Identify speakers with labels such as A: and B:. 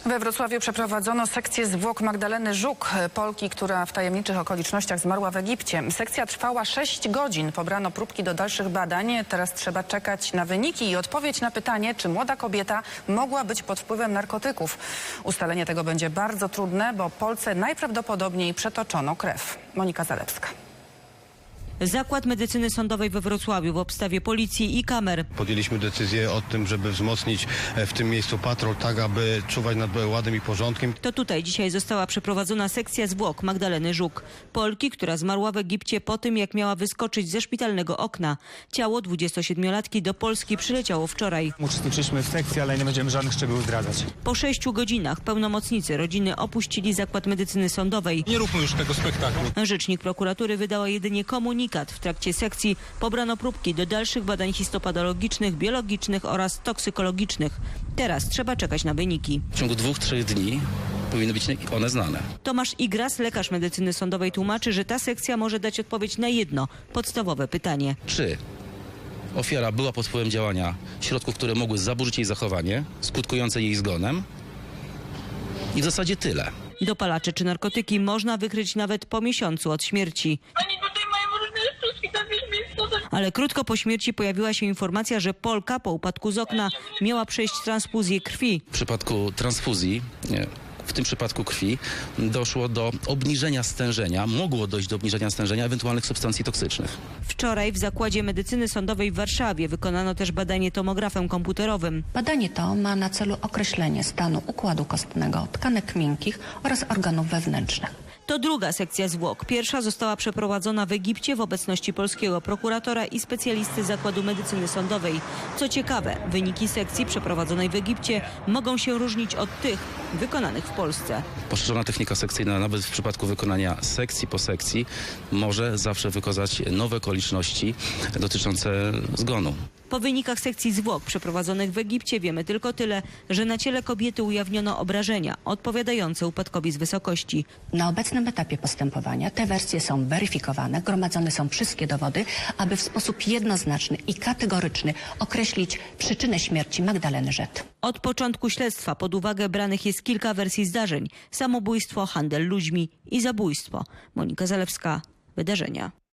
A: We Wrocławiu przeprowadzono sekcję zwłok Magdaleny Żuk, Polki, która w tajemniczych okolicznościach zmarła w Egipcie. Sekcja trwała 6 godzin. Pobrano próbki do dalszych badań. Teraz trzeba czekać na wyniki i odpowiedź na pytanie, czy młoda kobieta mogła być pod wpływem narkotyków. Ustalenie tego będzie bardzo trudne, bo Polce najprawdopodobniej przetoczono krew. Monika Zalewska.
B: Zakład Medycyny Sądowej we Wrocławiu w obstawie policji i kamer.
C: Podjęliśmy decyzję o tym, żeby wzmocnić w tym miejscu patrol, tak aby czuwać nad ładem i porządkiem.
B: To tutaj dzisiaj została przeprowadzona sekcja zwłok Magdaleny Żuk, Polki, która zmarła w Egipcie po tym, jak miała wyskoczyć ze szpitalnego okna. Ciało 27-latki do Polski przyleciało wczoraj.
D: Uczestniczyliśmy w sekcji, ale nie będziemy żadnych szczegółów zdradzać.
B: Po 6 godzinach pełnomocnicy rodziny opuścili Zakład Medycyny Sądowej.
D: Nie róbmy już tego spektaklu.
B: Rzecznik prokuratury wydała jedynie komunikat. W trakcie sekcji pobrano próbki do dalszych badań histopatologicznych, biologicznych oraz toksykologicznych. Teraz trzeba czekać na wyniki.
E: W ciągu 2-3 dni powinny być one znane.
B: Tomasz Igras, lekarz medycyny sądowej, tłumaczy, że ta sekcja może dać odpowiedź na jedno podstawowe pytanie.
E: Czy ofiara była pod wpływem działania środków, które mogły zaburzyć jej zachowanie, skutkujące jej zgonem? I w zasadzie tyle.
B: Dopalacze czy narkotyki można wykryć nawet po miesiącu od śmierci.
F: Oni tutaj mają różne sztuczki, to wiesz,
B: Ale krótko po śmierci pojawiła się informacja, że Polka po upadku z okna miała przejść transfuzję krwi.
E: W przypadku transfuzji, w tym przypadku krwi, doszło do obniżenia stężenia, mogło dojść do obniżenia stężenia ewentualnych substancji toksycznych.
B: Wczoraj w Zakładzie Medycyny Sądowej w Warszawie wykonano też badanie tomografem komputerowym.
G: Badanie to ma na celu określenie stanu układu kostnego, tkanek miękkich oraz organów wewnętrznych.
B: To druga sekcja zwłok. Pierwsza została przeprowadzona w Egipcie w obecności polskiego prokuratora i specjalisty Zakładu Medycyny Sądowej. Co ciekawe, wyniki sekcji przeprowadzonej w Egipcie mogą się różnić od tych wykonanych w Polsce.
E: Poszerzona technika sekcyjna nawet w przypadku wykonania sekcji po sekcji może zawsze wykazać nowe okoliczności dotyczące zgonu.
B: Po wynikach sekcji zwłok przeprowadzonych w Egipcie wiemy tylko tyle, że na ciele kobiety ujawniono obrażenia odpowiadające upadkowi z wysokości.
G: Na obecnym etapie postępowania te wersje są weryfikowane, gromadzone są wszystkie dowody, aby w sposób jednoznaczny i kategoryczny określić przyczynę śmierci Magdaleny Żuk.
B: Od początku śledztwa pod uwagę branych jest kilka wersji zdarzeń: samobójstwo, handel ludźmi i zabójstwo. Monika Zalewska, Wydarzenia.